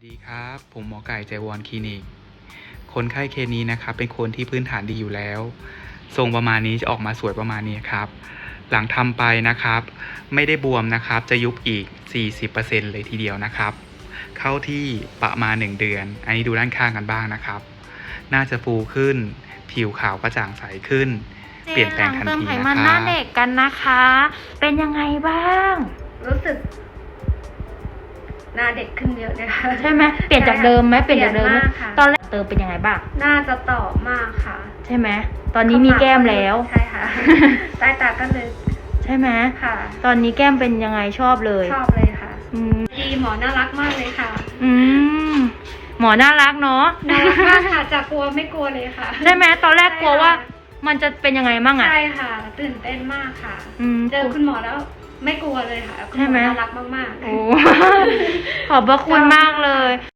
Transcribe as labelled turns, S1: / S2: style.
S1: ดีครับผมหมอไก่ใจวรคลินิกคนไข้เคสนี้นะครับเป็นคนที่พื้นฐานดีอยู่แล้วทรงประมาณนี้จะออกมาสวยประมาณนี้ครับหลังทำไปนะครับไม่ได้บวมนะครับจะยุบอีก 40% เลยทีเดียวนะครับเข้าที่ประมาณ1เดือนอันนี้ดูด้านข้างกันบ้างนะครับน่าจะฟูขึ้นผิวขาวกระจ่างใสขึ้นเปลี่ยนแปลงทันทีนะครั
S2: เติมไขมันหน้าเด็กกันนะคะ เป็นยังไงบ้าง
S3: รู้สึกหน้าเด็กขึ้นเยอะเลยค่ะ
S2: ใช่ไหมเปลี่ยนจากเดิมไหมเปลี่ยนจากเดิมไหม
S3: เปลี่ยนมากค่ะ
S2: ตอนแรกเติมเป็นยังไงบ้าง
S3: หน้าจะต่อมากค่ะ
S2: ใช่ไหมตอนนี้มีแก้มแล้ว
S3: ใช่ค่ะ ใต้ตาก็ลึก
S2: ใช่ไหม
S3: ค่ะ
S2: ตอนนี้แก้มเป็นยังไงชอบเลย
S3: ชอบเลยค่ะ
S2: อืม
S3: ดีหมอน่ารักมากเลยค่ะ
S2: อืมหมอน่ารักเนาะ
S3: น่ารักมากค่ะจากกลัวไม่กลัวเลยค่ะ
S2: ใช่ไหมตอนแรกกลัวว่า
S3: ใช่ค่ะ
S2: มันจะเป็นยังไงมั่งอ่ะ
S3: ใช่ค่ะ ตื่นเต้นมากค่ะ
S2: อืม
S3: เจอคุณหมอแล้วไม่กลัวเลยค่ะคุณ
S2: ใช่
S3: หม
S2: ไหม
S3: อน่ารักมากๆ
S2: โอ้ ขอบพระคุณมากเลย